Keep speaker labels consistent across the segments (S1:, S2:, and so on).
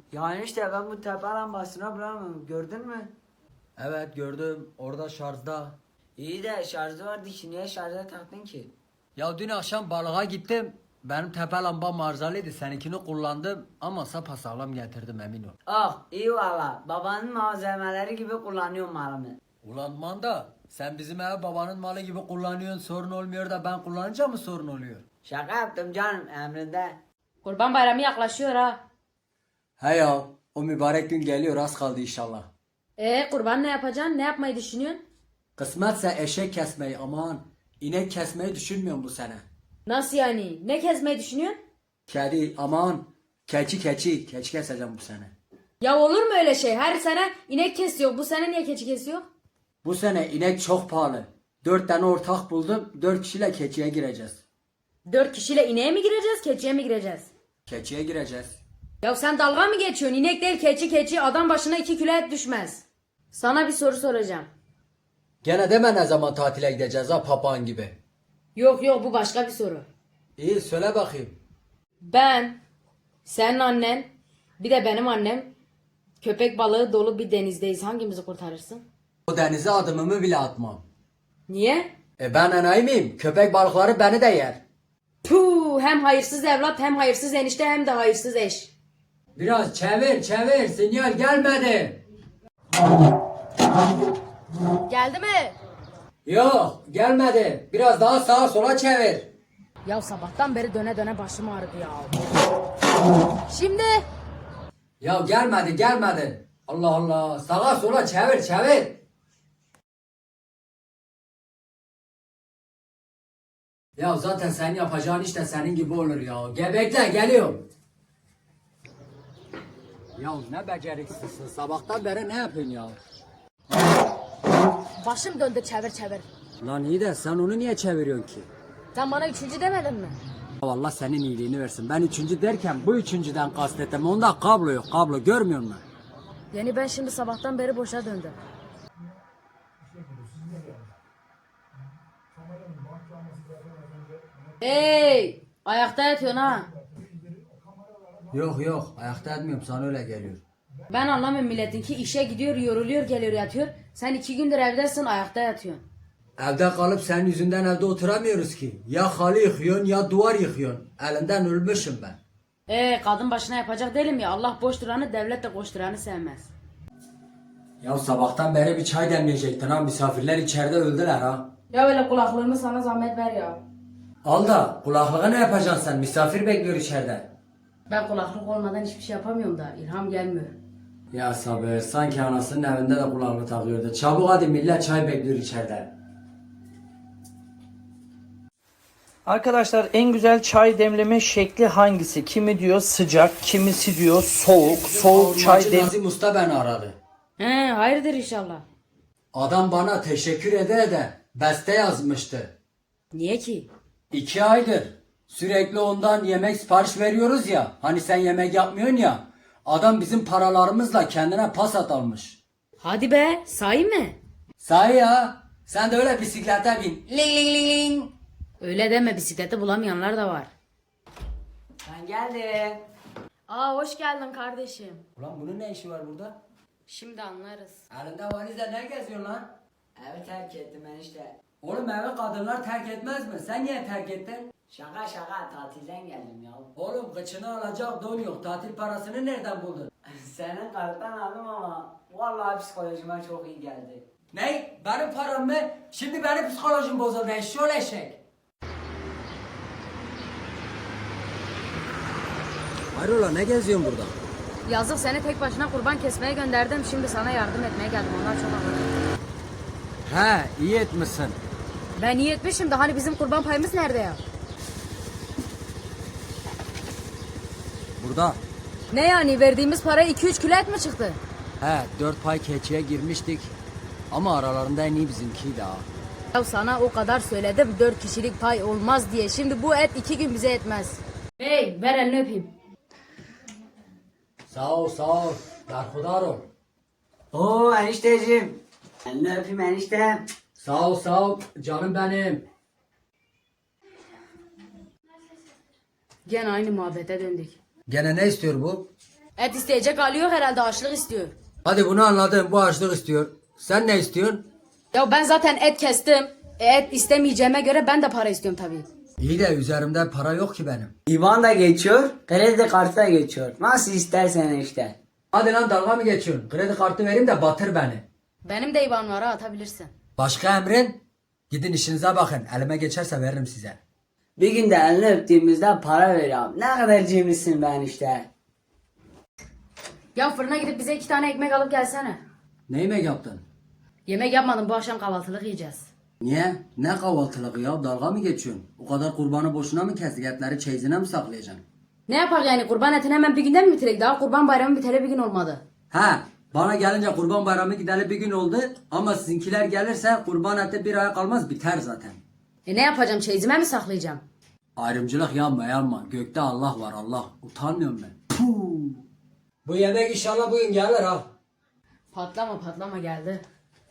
S1: Yani işte ben bu tepe lambasına bulamıyorum. Gördün mü?
S2: Evet gördüm. Orada şarjda.
S1: İyi de şarjı vardı ki niye şarja taktın ki?
S2: Ya dün akşam balığa gittim. Benim tepe lambam arızalıydı. Seninkini kullandım ama sapasağlam getirdim emin ol.
S1: Ah iyi valla. Babanın malzemeleri gibi kullanıyorum malımı.
S2: Ulan manda sen bizim ev babanın malı gibi kullanıyorsun sorun olmuyor da ben kullanınca mı sorun oluyor?
S1: Şaka yaptım canım emrinde.
S3: Kurban bayramı yaklaşıyor ha.
S2: He ya o mübarek gün geliyor az kaldı inşallah.
S3: Kurban ne yapacaksın? Ne yapmayı düşünüyorsun?
S2: Kısmetse eşek kesmeyi aman. İnek kesmeyi düşünmüyorum bu sene.
S3: Nasıl yani? Ne kesmeyi düşünüyorsun?
S2: Kedi aman. Keçi keseceğim bu sene.
S3: Ya olur mu öyle şey? Her sene inek kesiyor. Bu sene niye keçi kesiyor?
S2: Bu sene inek çok pahalı. 4 tane ortak buldum. 4 kişiyle keçiye gireceğiz.
S3: 4 kişiyle ineğe mi gireceğiz, keçiye mi gireceğiz?
S2: Keçiye gireceğiz.
S3: Ya sen dalga mı geçiyorsun? İnek değil keçi adam başına 2 kilo et düşmez. Sana bir soru soracağım.
S2: Gene deme ne zaman tatile gideceğiz ha papağan gibi.
S3: Yok bu başka bir soru.
S2: İyi söyle bakayım.
S3: Ben, senin annen, bir de benim annem köpek balığı dolu bir denizdeyiz. Hangimizi kurtarırsın?
S2: O denize adımımı bile atmam.
S3: Niye?
S2: Ben enayi miyim? Köpek balıkları beni de yer.
S3: Puh, hem hayırsız evlat hem hayırsız enişte hem de hayırsız eş.
S2: Biraz çevir sinyal gelmedi.
S3: Geldi mi?
S2: Yok gelmedi. Biraz daha sağa sola çevir.
S3: Ya sabahtan beri döne döne başım ağrıdı ya. Şimdi?
S2: Ya gelmedi. Allah Allah sağa sola çevir. Ya zaten sen yapacağın işte senin gibi olur ya. Gebekle geliyorum. Ya ne beceriksizsin. Sabahtan beri ne yapıyorsun ya?
S3: Başım döndü çevir.
S2: Lan iyi de sen onu niye çeviriyorsun ki?
S3: Sen bana üçüncü demedin mi?
S2: Allah senin iyiliğini versin. Ben üçüncü derken bu üçüncüden kastettim. Onda kablo yok. Kablo görmüyor musun?
S3: Yani ben şimdi sabahtan beri boşa döndüm. Hey! Ayakta yatıyorsun ha.
S2: Yok. Ayakta etmiyorum. Sana öyle geliyor.
S3: Ben anlamıyorum milletin ki işe gidiyor, yoruluyor, geliyor yatıyor. Sen 2 gündür evdesin, ayakta yatıyorsun.
S2: Evde kalıp senin yüzünden evde oturamıyoruz ki. Ya halı yıkıyorsun ya duvar yıkıyorsun. Elinden ölmüşüm ben.
S3: Kadın başına yapacak değilim ya. Allah boş duranı, devlet de koş duranı sevmez.
S2: Ya sabahtan beri bir çay demleyecektin ha. Misafirler içeride öldüler ha.
S3: Ya öyle kulaklığımı sana zahmet ver ya.
S2: Al da kulaklığa ne yapacaksın sen? Misafir bekliyor içeride.
S3: Ben kulaklık olmadan hiçbir şey yapamıyorum da ilham gelmiyor.
S2: Ya sabır sanki anasının evinde de kulaklık takıyordu. Çabuk hadi millet çay bekliyor içeride.
S4: Arkadaşlar en güzel çay demleme şekli hangisi? Kimi diyor sıcak, kimisi diyor soğuk. Soğuk çay
S2: Hacı
S4: dem...
S2: Nazım Usta beni aradı.
S3: Hayırdır inşallah.
S2: Adam bana teşekkür ede beste yazmıştı.
S3: Niye ki?
S2: 2 aydır sürekli ondan yemek sipariş veriyoruz ya. Hani sen yemek yapmıyorsun ya. Adam bizim paralarımızla kendine Passat almış.
S3: Hadi be, sahi mi?
S2: Sahi ya. Sen de öyle bisiklete bin. Ling ling ling ling.
S3: Öyle deme, bisikleti bulamayanlar da var.
S1: Ben geldim.
S3: Hoş geldin kardeşim.
S2: Ulan bunun ne işi var burada?
S3: Şimdi anlarız.
S2: Elinde valizle ne geziyorsun lan?
S1: Evi terk ettim enişte.
S2: Oğlum evi kadınlar terk etmez mi? Sen niye terk ettin?
S1: Şaka tatilden geldim ya.
S2: Oğlum kıçını alacak don yok. Tatil parasını nereden buldun?
S1: Senin karttan aldım ama vallahi psikolojime çok iyi geldi.
S2: Ne? Benim param mı? Şimdi benim psikolojim bozuldu. Eşşoğlu eşek. Hayrola ne geziyorsun burada?
S3: Yazık, seni tek başına kurban kesmeye gönderdim. Şimdi sana yardım etmeye geldim. Onlar çok anladım.
S2: He iyi etmişsin.
S3: Ben iyi etmişim de hani bizim kurban payımız nerede ya?
S2: Burada.
S3: Ne yani, verdiğimiz para 2-3 kilo et mi çıktı?
S2: He 4 pay keçiye girmiştik. Ama aralarında en iyi bizimkiydi ha.
S3: Ya sana o kadar söyledim 4 kişilik pay olmaz diye. Şimdi bu et 2 gün bize etmez. Bey ver elini öpeyim.
S2: Sağ ol. Darhudar ol.
S1: Oo enişteciğim. Elini öpeyim eniştem.
S2: Sağ ol. Canım benim.
S3: Gene aynı muhabbete döndük.
S2: Gene ne istiyor bu?
S3: Et isteyecek hali yok herhalde, açlık istiyor.
S2: Hadi bunu anladım. Bu açlık istiyor. Sen ne istiyorsun?
S3: Ya ben zaten et kestim. Et istemeyeceğime göre ben de para istiyorum tabii.
S2: İyi de üzerimde para yok ki benim.
S1: İvan da geçiyor, kredi kartı da geçiyor. Nasıl istersen işte.
S2: Hadi lan dalga mı geçiyorsun? Kredi kartı vereyim de batır beni.
S3: Benim de IBAN var ha, atabilirsin.
S2: Başka emrin? Gidin işinize bakın. Elime geçerse veririm size.
S1: Bir gün de elini öptüğümüzde para veriyorum. Ne kadar cimrisin ben işte.
S3: Ya fırına gidip bize 2 tane ekmek alıp gelsene.
S2: Ne yemek yaptın?
S3: Yemek yapmadım, bu akşam kahvaltılık yiyeceğiz.
S2: Niye? Ne kahvaltılık ya? Dalga mı geçiyorsun? O kadar kurbanı boşuna mı kestik? Etleri çeyizine mi saklayacaksın?
S3: Ne yapar yani, kurban etini hemen bir günde mi bitirek? Daha kurban bayramı biteli bir gün olmadı.
S2: He, bana gelince kurban bayramı gideli bir gün oldu. Ama sizinkiler gelirse kurban eti bir ay kalmaz, biter zaten.
S3: Ne yapacağım, çeyizime mi saklayacağım?
S2: Ayrımcılık yapma. Gökte Allah var, Allah. Utanmıyorum ben. Puh. Bu yemek inşallah bugün gelir ha.
S3: Patlama geldi.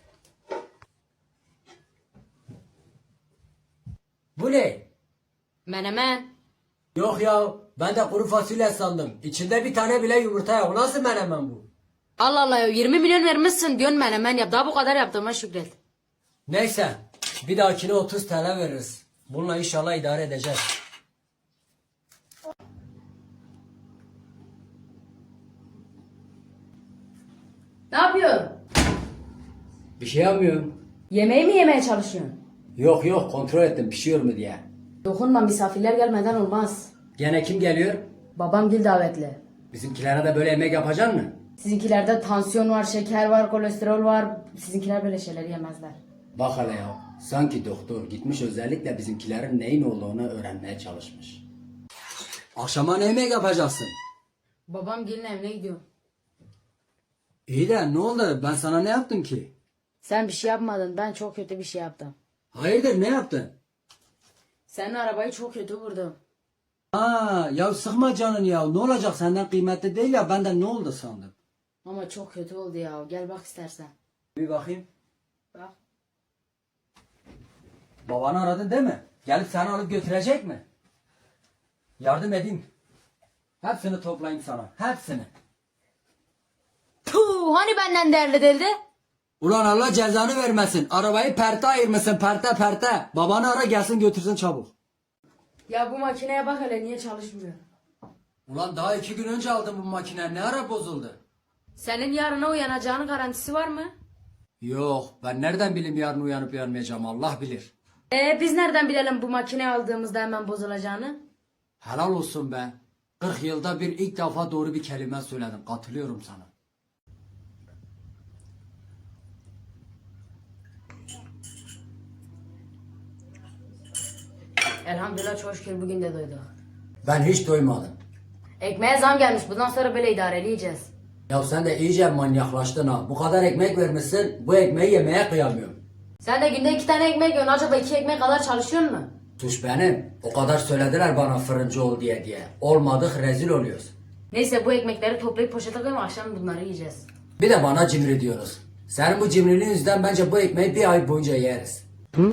S2: Bu ne?
S3: Menemen.
S2: Yok ya, ben de kuru fasulye sandım. İçinde bir tane bile yumurta yok. Nasıl menemen bu?
S3: Allah Allah ya, 20 milyon vermişsin diyorsun menemen yap. Daha bu kadar yaptığıma şükret.
S2: Neyse, bir dahakine 30 TL veririz. Bununla inşallah idare edeceğiz.
S3: Ne yapıyorsun?
S2: Bir şey yapmıyorum.
S3: Yemeği mi yemeye çalışıyorsun?
S2: Yok, kontrol ettim pişiyor mu diye.
S3: Dokunma, misafirler gelmeden olmaz.
S2: Gene kim geliyor?
S3: Babam gil davetli.
S2: Bizimkilere de böyle yemek yapacaksın mı?
S3: Sizinkilerde tansiyon var, şeker var, kolesterol var. Sizinkiler böyle şeyleri yemezler.
S2: Bak hele ya, sanki doktor gitmiş özellikle bizimkilerin neyin olduğunu öğrenmeye çalışmış. Akşama ne yemek yapacaksın?
S3: Babam gelin evine gidiyor.
S2: İyi de ne oldu? Ben sana ne yaptım ki?
S3: Sen bir şey yapmadın, ben çok kötü bir şey yaptım.
S2: Hayırdır, ne yaptın?
S3: Senin arabayı çok kötü vurdum.
S2: Ha, ya sıkma canını ya. Ne olacak, senden kıymetli değil ya, benden ne oldu sandım.
S3: Ama çok kötü oldu ya. Gel bak istersen.
S2: Bir bakayım.
S3: Bak.
S2: Babanı aradın değil mi? Gelip seni alıp götürecek mi? Yardım edeyim. Hepsini toplayayım sana. Hepsini.
S3: Puh, hani benden değerli değildi?
S2: Ulan Allah cezanı vermesin. Arabayı perte ayırmışsın, perte. Babanı ara gelsin götürsün çabuk.
S3: Ya bu makineye bak hele, niye çalışmıyor?
S2: Ulan daha 2 gün önce aldım bu makine. Ne ara bozuldu?
S3: Senin yarına uyanacağının garantisi var mı?
S2: Yok, ben nereden bileyim yarın uyanıp uyanmayacağım, Allah bilir.
S3: Biz nereden bilelim bu makine aldığımızda hemen bozulacağını?
S2: Helal olsun be. 40 yılda bir ilk defa doğru bir kelime söyledim. Katılıyorum sana.
S3: Elhamdülillah, çok şükür bugün de doyduk.
S2: Ben hiç doymadım.
S3: Ekmeğe zam gelmiş. Bundan sonra böyle idareleyeceğiz.
S2: Ya sen de iyice manyaklaştın ha. Bu kadar ekmek vermişsin, bu ekmeği yemeye kıyamıyorum.
S3: Sen de günde 2 tane ekmek yiyorsun. Acaba 2 ekmek kadar çalışıyor mu?
S2: Suç benim. O kadar söylediler bana fırıncı ol diye. Olmadık, rezil oluyoruz.
S3: Neyse, bu ekmekleri toplayıp poşete koyalım, akşam bunları yiyeceğiz.
S2: Bir de bana cimri diyoruz. Senin bu cimriliğin yüzünden bence bu ekmeği bir ay boyunca yeriz.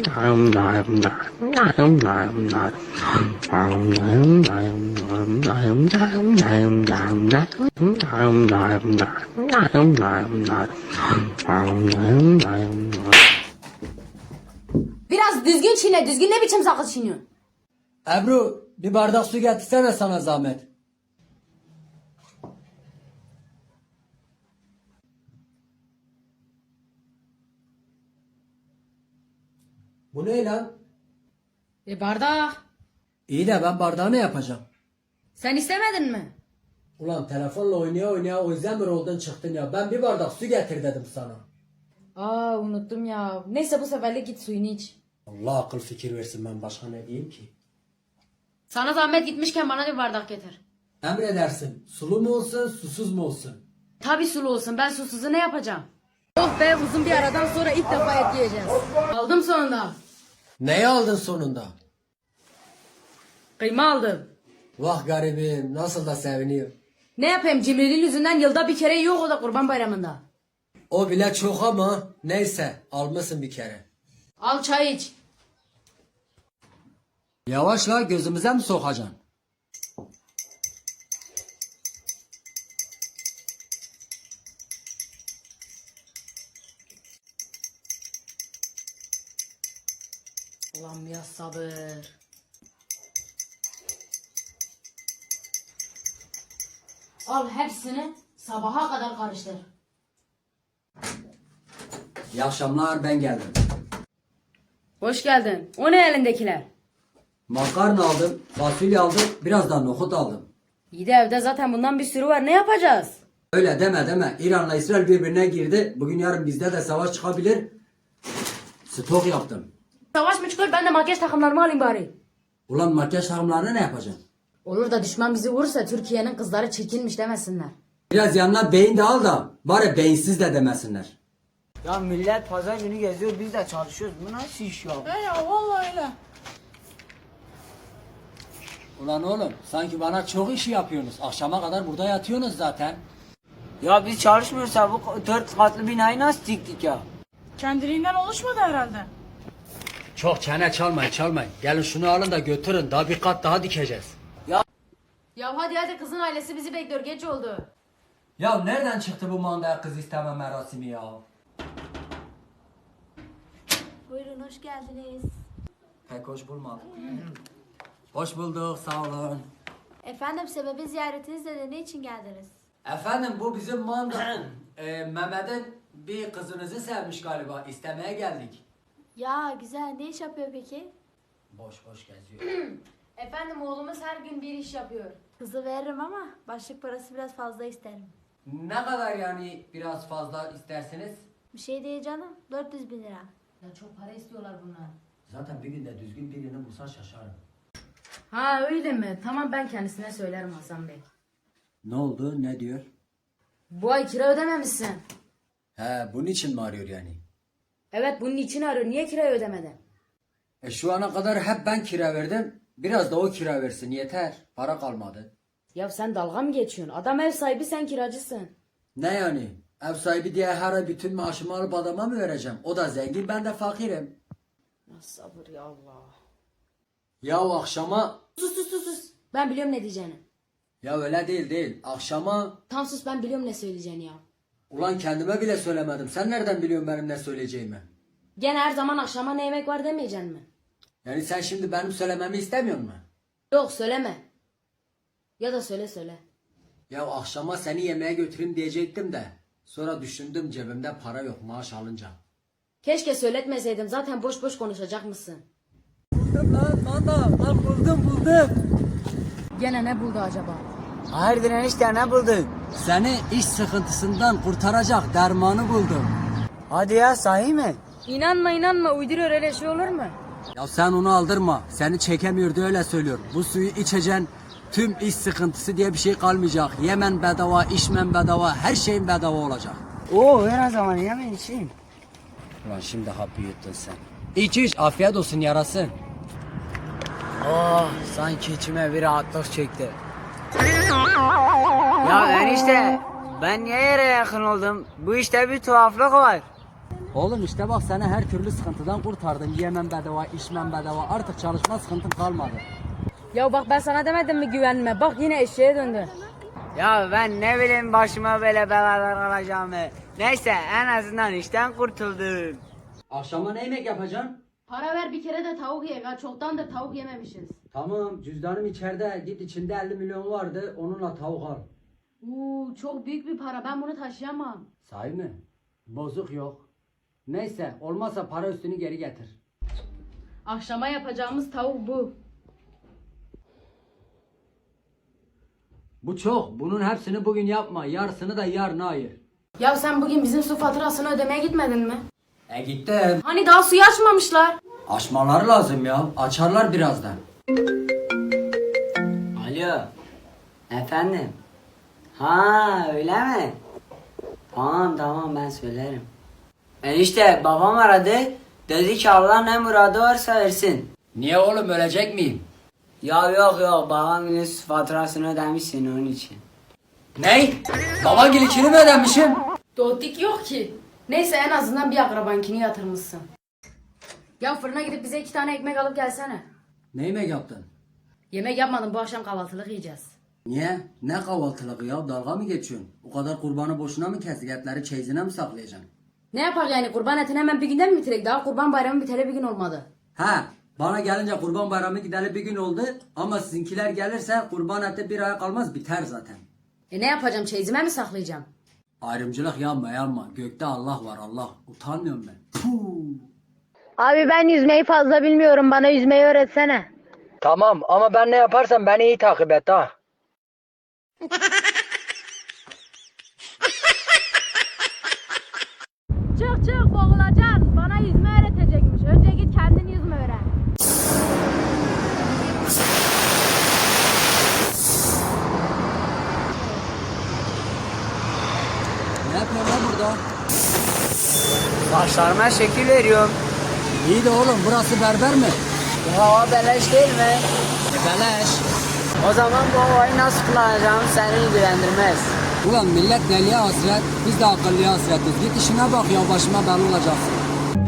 S3: Biraz düzgün çiğne. Düzgün ne biçim sakız çiğniyorsun?
S2: Ebru, bir bardak su getirsene sana zahmet. Bu ne lan?
S3: Bardak.
S2: İyi de ben bardağı ne yapacağım?
S3: Sen istemedin mi?
S2: Ulan telefonla oynaya o yüzden mi roldan çıktın ya? Ben bir bardak su getir dedim sana.
S3: Aa, unuttum ya. Neyse, bu seferlik git suyunu iç.
S2: Allah akıl fikir versin, ben başka ne diyeyim ki?
S3: Sana zahmet gitmişken bana bir bardak getir.
S2: Emredersin. Sulu mu olsun, susuz mu olsun?
S3: Tabi sulu olsun. Ben susuzu ne yapacağım? Oh be, uzun bir aradan sonra ilk defa et yiyeceğiz. Aldım sonunda.
S2: Neyi aldın sonunda?
S3: Kıyma aldım.
S2: Vah garibim, nasıl da seviniyor.
S3: Ne yapayım, cimriliğin yüzünden yılda bir kere yiyor, o da kurban bayramında.
S2: O bile çok ama neyse, almışsın bir kere.
S3: Al çay iç.
S2: Yavaşla, gözümüze mi sokacaksın?
S3: Ulan biraz sabır. Al hepsini sabaha kadar karıştır.
S2: İyi akşamlar, ben geldim.
S3: Hoş geldin. O ne elindekiler?
S2: Makarna aldım, fasulye aldım, biraz da nohut aldım.
S3: İyi de evde zaten bundan bir sürü var. Ne yapacağız?
S2: Öyle deme. İran'la İsrail birbirine girdi. Bugün yarın bizde de savaş çıkabilir. Stok yaptım.
S3: Savaş mı çıkıyor? Ben de makyaj takımlarımı alayım bari.
S2: Ulan makyaj takımlarını ne yapacaksın?
S3: Olur da düşman bizi vurursa Türkiye'nin kızları çirkinmiş demesinler.
S2: Biraz yanına beyin de al da bari beyinsiz de demesinler.
S1: Ya millet pazar günü geziyor, biz de çalışıyoruz. Bu nasıl iş ya?
S5: Ya vallahi öyle.
S2: Ulan oğlum sanki bana çok işi yapıyorsunuz. Akşama kadar burada yatıyorsunuz zaten.
S1: Ya biz çalışmıyorsa bu 4 katlı binayı nasıl diktik ya?
S5: Kendiliğinden oluşmadı herhalde.
S2: Çok çene çalmayın. Gelin şunu alın da götürün. Daha bir kat daha dikeceğiz.
S3: Ya hadi kızın ailesi bizi bekliyor. Geç oldu.
S2: Ya nereden çıktı bu mandaya kız isteme merasimi ya?
S6: Buyurun hoş geldiniz.
S2: Pek hoş bulmadım. Hoş bulduk, sağ olun.
S6: Efendim sebebi ziyaretiniz de ne için geldiniz?
S2: Efendim bu bizim manda. Mehmet'in bir kızınızı sevmiş galiba. İstemeye geldik.
S6: Ya güzel ne iş yapıyor peki?
S2: Boş geziyor.
S3: Efendim oğlumuz her gün bir iş yapıyor.
S6: Kızı veririm ama başlık parası biraz fazla isterim.
S2: Ne kadar yani biraz fazla isterseniz?
S6: Bir şey değil canım 400 bin lira.
S3: Ya çok para istiyorlar bunlar.
S2: Zaten bir günde düzgün birini bulsa şaşarım.
S3: Ha öyle mi? Tamam ben kendisine söylerim Hasan Bey.
S2: Ne oldu? Ne diyor?
S3: Bu ay kira ödememişsin.
S2: He, bunun için mi arıyor yani?
S3: Evet bunun için arıyor. Niye kirayı ödemedin?
S2: Şu ana kadar hep ben kira verdim. Biraz da o kira versin yeter. Para kalmadı.
S3: Ya sen dalga mı geçiyorsun? Adam ev sahibi sen kiracısın.
S2: Ne yani? Ev sahibi diye her ay bütün maaşımı alıp adama mı vereceğim? O da zengin, ben de fakirim.
S3: Ya sabır ya Allah.
S2: Ya akşama...
S3: Sus. Ben biliyorum ne diyeceğini.
S2: Ya öyle değil. Akşama...
S3: Tam sus ben biliyorum ne söyleyeceğini ya.
S2: Ulan kendime bile söylemedim. Sen nereden biliyorsun benim ne söyleyeceğimi?
S3: Gene her zaman akşama ne yemek var demeyeceksin mi?
S2: Yani sen şimdi benim söylememi istemiyor musun?
S3: Yok söyleme. Ya da söyle.
S2: Ya akşama seni yemeğe götüreyim diyecektim de. Sonra düşündüm cebimde para yok maaş alınca.
S3: Keşke söyletmeseydim zaten boş konuşacak mısın?
S2: Buldum.
S3: Gene ne buldu acaba?
S1: Hayırdır enişte ne buldun?
S2: Seni iş sıkıntısından kurtaracak dermanı buldum.
S1: Hadi ya sahi mi?
S3: İnanma uyduruyor öyle şey olur mu?
S2: Ya sen onu aldırma. Seni çekemiyor diye öyle söylüyor. Bu suyu içeceksin. Tüm iş sıkıntısı diye bir şey kalmayacak. Yemen bedava, içmen bedava, her şeyin bedava olacak.
S1: Oo ver o zaman yemeğin içeyim.
S2: Ulan şimdi hapı yuttun sen. İç afiyet olsun yarasın.
S1: Oh sanki içime bir rahatlık çekti. Ya enişte ben niye yere yakın oldum? Bu işte bir tuhaflık var.
S2: Oğlum işte bak seni her türlü sıkıntıdan kurtardım. Yemen bedava, içmen bedava. Artık çalışma sıkıntın kalmadı.
S3: Ya bak ben sana demedim mi güvenme? Bak yine eşeğe döndü.
S1: Ya ben ne bileyim başıma böyle belalar alacağımı. Neyse en azından işten kurtuldum.
S2: Akşama ne yemek yapacaksın?
S3: Para ver bir kere de tavuk ye. Ya çoktandır tavuk yememişiz.
S2: Tamam cüzdanım içeride. Git içinde 50 milyon vardı. Onunla tavuk al.
S3: Çok büyük bir para. Ben bunu taşıyamam.
S2: Sahi mi? Bozuk yok. Neyse olmazsa para üstünü geri getir.
S3: Akşama yapacağımız tavuk bu.
S2: Bu çok. Bunun hepsini bugün yapma. Yarısını da yarına ayır.
S3: Ya sen bugün bizim su faturasını ödemeye gitmedin mi?
S2: Gittim.
S3: Hani daha suyu açmamışlar.
S2: Açmaları lazım ya. Açarlar birazdan.
S1: Alo. Efendim. Ha öyle mi? Tamam ben söylerim. Enişte babam aradı. Dedi ki Allah ne muradı varsa versin.
S2: Niye oğlum ölecek miyim?
S1: Ya yok babam yine su faturasını ödemişsin onun için.
S2: Ney? Baban gelikini mi ödemişim?
S3: Dotik yok ki. Neyse en azından bir akrabankini yatırmışsın. Ya fırına gidip bize 2 tane ekmek alıp gelsene.
S2: Ne yemek yaptın?
S3: Yemek yapmadım bu akşam kahvaltılık yiyeceğiz.
S2: Niye? Ne kahvaltılığı ya? Dalga mı geçiyorsun? O kadar kurbanı boşuna mı kestik? Etleri çeyizine mi saklayacaksın?
S3: Ne yapar yani kurban etini hemen bir günde mi bitirek? Daha kurban bayramı biteli bir gün olmadı.
S2: Ha, Bana gelince kurban bayramı gideli bir gün oldu ama sizinkiler gelirse kurban eti bir aya kalmaz biter zaten.
S3: Ne yapacağım, çeyizime mi saklayacağım?
S2: Ayrımcılık yapma. Gökte Allah var Allah. Utanmıyorum ben. Puh.
S7: Abi ben yüzmeyi fazla bilmiyorum. Bana yüzmeyi öğretsene.
S2: Tamam ama ben ne yaparsam beni iyi takip et ha.
S7: Çık çık boğulacaksın. Bana yüzme öğretecekmiş. Önce git kendin yüzme öğren.
S2: Ne yapıyorsun lan burada?
S1: Saçlarıma şekil veriyorum.
S2: İyi de oğlum burası berber mi?
S1: Bu hava beleş değil mi?
S2: Beleş.
S1: O zaman bu havayı nasıl kullanacağım seni ilgilendirmez.
S2: Ulan millet deliye hasret, biz de akıllıya hasretiz. Git işine bak ya başıma bela olacaksın.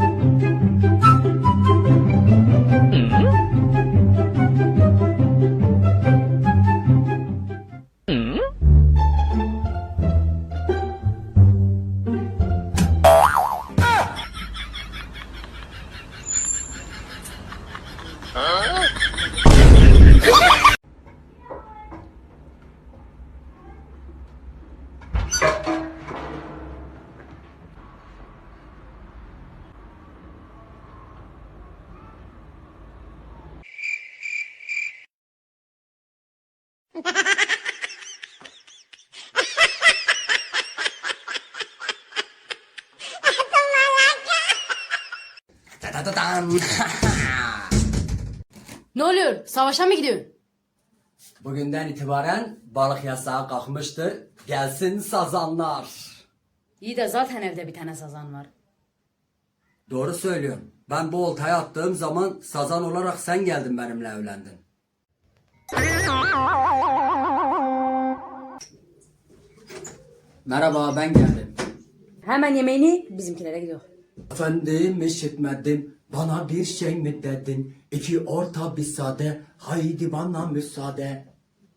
S3: Ne oluyor? Savaşa mı gidiyorsun?
S2: Bugünden itibaren balık yasağı kalkmıştır. Gelsin sazanlar.
S3: İyi de zaten evde bir tane sazan var.
S2: Doğru söylüyorum. Ben bu oltayı attığım zaman sazan olarak sen geldin benimle evlendin. Merhaba ben geldim.
S3: Hemen yemeğini bizimkilere gidiyor.
S2: Efendim işitmedim. Bana bir şey mi dedin? İki orta bir sade. Haydi bana müsaade.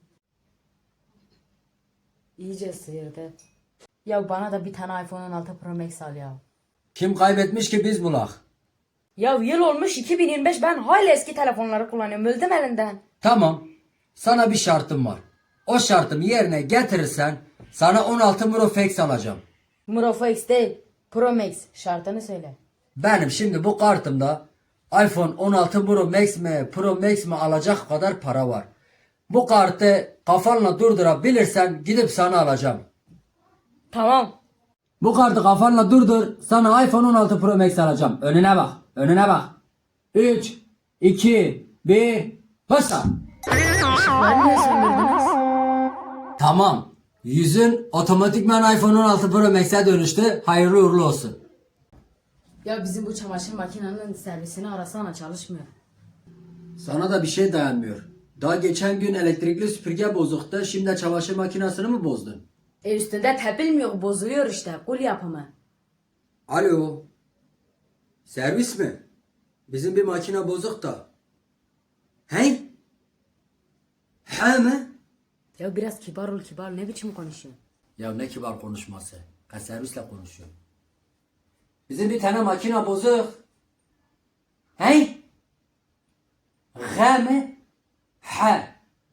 S3: İyice sıyırdı. Ya bana da bir tane iPhone 16 Pro Max al ya.
S2: Kim kaybetmiş ki biz bulak?
S3: Ya yıl olmuş 2025, ben hala eski telefonları kullanıyorum. Öldüm elinden.
S2: Tamam. Sana bir şartım var. O şartımı yerine getirirsen sana 16 Pro Max alacağım.
S3: Pro X değil, Pro Max. Şartını söyle.
S2: Benim şimdi bu kartımda iPhone 16 Pro Max mi alacak kadar para var. Bu kartı kafanla durdurabilirsen gidip sana alacağım.
S3: Tamam.
S2: Bu kartı kafanla durdur, sana iPhone 16 Pro Max alacağım. Önüne bak, önüne bak. 3, 2, 1, başla.
S3: Işıkları niye söndürdünüz?
S2: Tamam. Yüzün otomatikman iPhone 16 Pro Max'e dönüştü. Hayırlı uğurlu olsun.
S3: Ya bizim bu çamaşır makinenin servisini arasana, çalışmıyor.
S2: Sana da bir şey dayanmıyor. Daha geçen gün elektrikli süpürge bozuktu. Şimdi çamaşır makinesini mi bozdun?
S3: Üstünde tepilmiyor, bozuluyor işte. Kul yapımı.
S2: Alo. Servis mi? Bizim bir makine bozuk da. Hey? He mi?
S3: Ya biraz kibar ol, kibar. Ne biçim konuşuyorsun?
S2: Ya ne kibar konuşması. Ben servisle konuşuyorum. Bizim bir tane makine bozuk. Hey? He mi? He.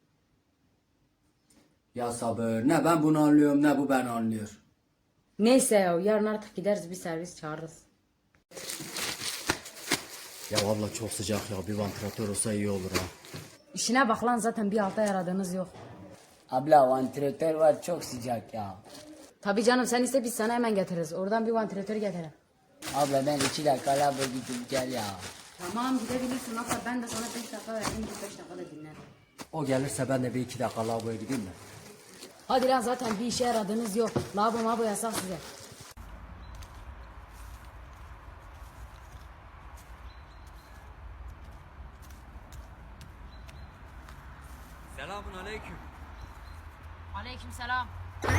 S2: Ya sabır. Ne ben bunu anlıyorum ne bu beni anlıyor.
S3: Neyse ya, yarın artık gideriz, bir servis çağırırız.
S2: Ya vallahi çok sıcak ya. Bir vantilatör olsa iyi olur ha.
S3: İşine bak lan, zaten bir alta yaradığınız yok.
S1: Abla vantilatör var çok sıcak ya.
S3: Tabii canım, sen iste biz sana hemen getiririz. Oradan bir vantilatör getirelim.
S1: Abla ben 2 dakika labo gidip gel ya.
S3: Tamam, gidebilirsin. Hatta ben de sana 5 dakika vereyim, 5 dakika da dinlen.
S2: O gelirse ben de bir iki dakika lavaboya gideyim mi?
S3: Hadi lan, zaten bir işe yaradığınız yok. Lavabo mabo yasak size.
S2: Selamun aleyküm.
S3: Aleyküm selam.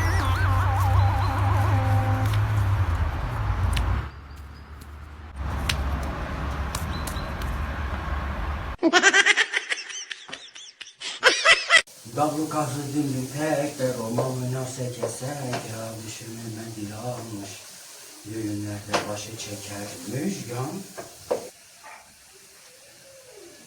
S2: Davlu kahve dindim tek de Roma'mı nasıl kesek ya düşürme mendil almış. Düğünlerde başı çekermiş yan.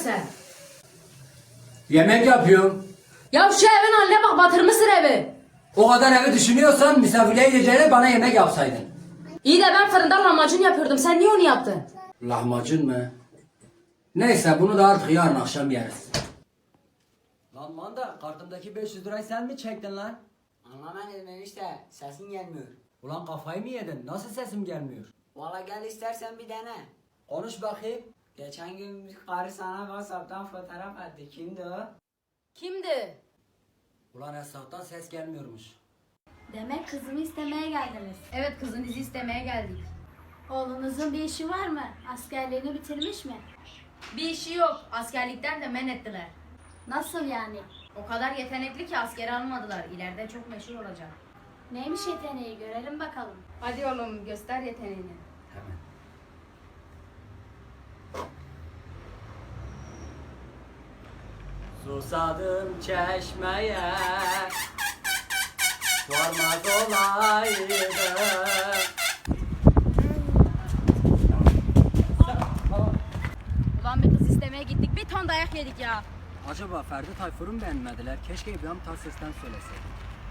S3: sen?
S2: Yemek yapıyorum.
S3: Ya şu evin haline bak, batırmışsın evi.
S2: O kadar evi düşünüyorsan misafirliğe gideceğine bana yemek yapsaydın.
S3: İyi de ben fırında lahmacun yapıyordum. Sen niye onu yaptın?
S2: Lahmacun mu? Neyse bunu da artık yarın akşam yeriz. Lan manda kartımdaki 500 lirayı sen mi çektin lan?
S1: Anlamadım enişte. Sesin gelmiyor.
S2: Ulan kafayı mı yedin? Nasıl sesim gelmiyor?
S1: Valla gel istersen bir dene.
S2: Konuş bakayım.
S1: Geçen gün bir karı sana WhatsApp'tan fotoğraf attı. Kimdi o?
S3: Kimdi?
S2: Ulan Esra'dan ses gelmiyormuş.
S6: Demek kızımı istemeye geldiniz.
S3: Evet, kızınızı istemeye geldik.
S6: Oğlunuzun bir işi var mı? Askerliğini bitirmiş mi?
S3: Bir işi yok. Askerlikten de men ettiler.
S6: Nasıl yani?
S3: O kadar yetenekli ki askere almadılar. İleride çok meşhur olacak.
S6: Neymiş yeteneği görelim bakalım.
S3: Hadi oğlum, göster yeteneğini.
S2: Hemen.
S1: Susadım çeşmeye. Varmaz olaydım.
S7: Ulan bir kız istemeye gittik, bir ton dayak yedik ya.
S2: Acaba Ferdi Tayfur'u mu beğenmediler? Keşke İbrahim Tatlıses'ten söyleseydim.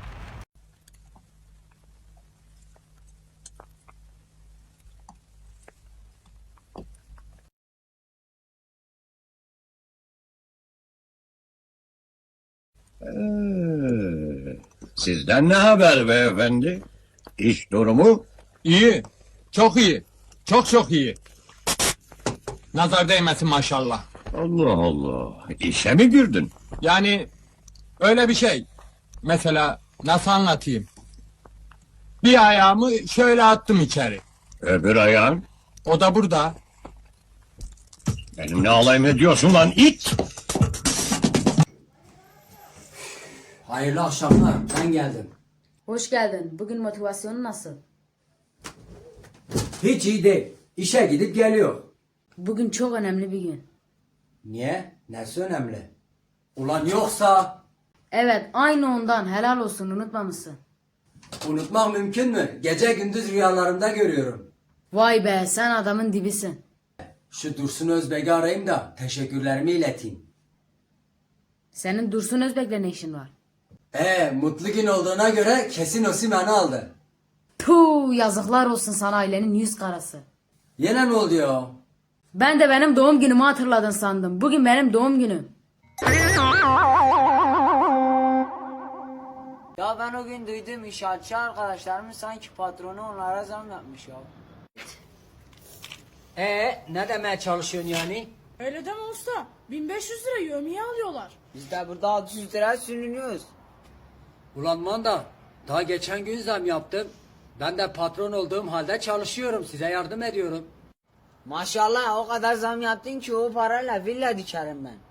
S8: Sizden ne haber beyefendi? İş durumu?
S9: İyi. Çok iyi. Çok çok iyi. Nazar değmesin maşallah.
S8: Allah Allah. İşe mi girdin?
S9: Yani öyle bir şey. Mesela nasıl anlatayım? Bir ayağımı şöyle attım içeri.
S8: Öbür ayağın?
S9: O da burada.
S8: Benimle alay mı ediyorsun lan it?
S2: Hayırlı akşamlar. Ben geldim.
S3: Hoş geldin. Bugün motivasyonun nasıl?
S2: Hiç iyi değil. İşe gidip geliyor.
S3: Bugün çok önemli bir gün.
S2: Niye? Nesi önemli? Ulan yoksa
S3: Evet, aynı ondan. Helal olsun, unutmamışsın.
S2: unutmak mümkün mü? Gece gündüz rüyalarımda görüyorum.
S3: Vay be, sen adamın dibisin.
S2: Şu Dursun Özbek'i arayayım da teşekkürlerimi ileteyim.
S3: Senin Dursun Özbek'le ne işin var?
S2: Mutlu gün olduğuna göre kesin Osimhen'i aldı.
S3: Puh, yazıklar olsun sana, ailenin yüz karası.
S2: Yine ne oldu ya?
S3: Ben de benim doğum günümü hatırladın sandım. Bugün benim doğum günüm.
S1: Ya ben o gün duydum inşaatçı arkadaşlarımın sanki patronu onlara zam yapmış ya.
S2: Ne demeye çalışıyorsun yani?
S5: Öyle deme usta. 1500 lira yövmiye alıyorlar.
S1: Biz de burada 600 lira sürünüyoruz.
S2: Ulan manda, daha geçen gün zam yaptım. Ben de patron olduğum halde çalışıyorum. Size yardım ediyorum.
S1: Maşallah o kadar zam yaptın ki o parayla villa dikerim ben.